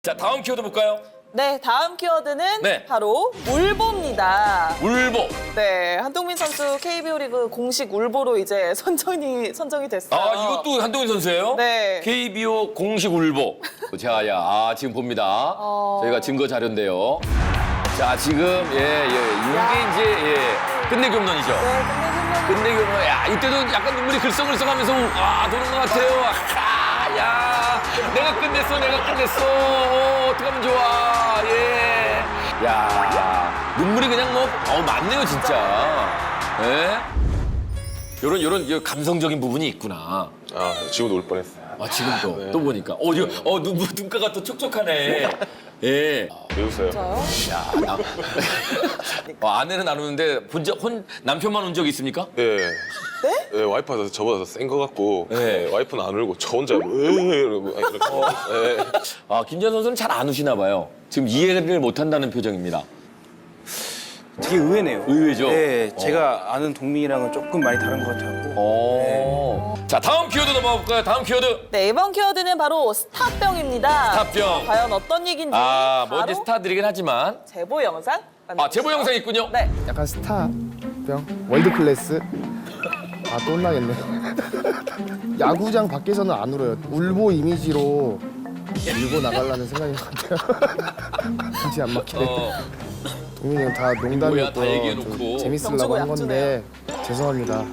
자, 다음 키워드 볼까요? 네, 다음 키워드는 네. 바로 울보입니다. 울보. 네, 한동민 선수 KBO 리그 공식 울보로 이제 선정이 됐어요. 아, 이것도 한동훈 선수예요? 네. KBO 공식 울보. 자, 지금 봅니다. 저희가 증거 자료인데요. 자, 지금 이게 이제 끝내기 홈런이죠. 네, 끝내기 홈런. 야, 이때도 약간 눈물이 글썽글썽하면서 도는 것 같아요. 야, 내가 끝냈어. 어떡하면 좋아. 예. 야, 눈물이 그냥 많네요, 진짜. 예. 요런 감성적인 부분이 있구나. 아, 지금도 울 뻔했어요. 아, 지금도 또 보니까 눈가가 또 촉촉하네. 예. 왜 웃어요? 진짜요? 야, 아내는 안 우는데 남편만 운 적 있습니까? 네. 네, 와이프가 저보다 센 것 같고 네. 와이프는 안 울고 저 혼자 이러고 이렇게. 네. 김지현 선수는 잘 안 우시나 봐요. 지금 이해를 못한다는 표정입니다. 되게 의외네요. 의외죠? 네, 제가 아는 동민이랑은 조금 많이 다른 것 같아요. 자, 다음 키워드 넘어가 볼까요? 다음 키워드. 네, 이번 키워드는 바로 스타병입니다. 스타병. 과연 어떤 얘기인지 뭐 이제 바로 스타들이긴 하지만. 제보 영상 만나보시죠. 제보 영상이 있군요. 네. 약간 스타병, 월드 클래스. 또 혼나겠네. 야구장 밖에서는 안 울어요. 울보 이미지로 밀고 나가려는 생각인 것 같아요. 굳이 안 막히네. 동민이 형 다 뭐야, 다 농담이었고요. 얘기해놓고. 재밌으려고 한 건데 죄송합니다.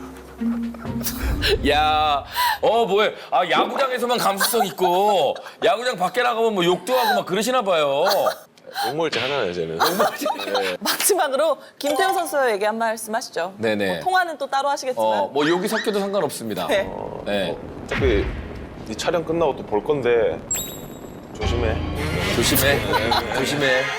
야, 뭐해. 야구장에서만 감수성 있고, 야구장 밖에 나가면 뭐 욕도 하고 막 그러시나 봐요. 욕먹을지 하나요, 쟤는. 마지막으로 김태우 선수 얘기 한 말씀 하시죠. 네네. 뭐 통화는 또 따로 하시겠지만. 욕이 섞여도 상관없습니다. 네. 네. 어차피 이 촬영 끝나고 또 볼 건데 조심해. 조심해. 조심해.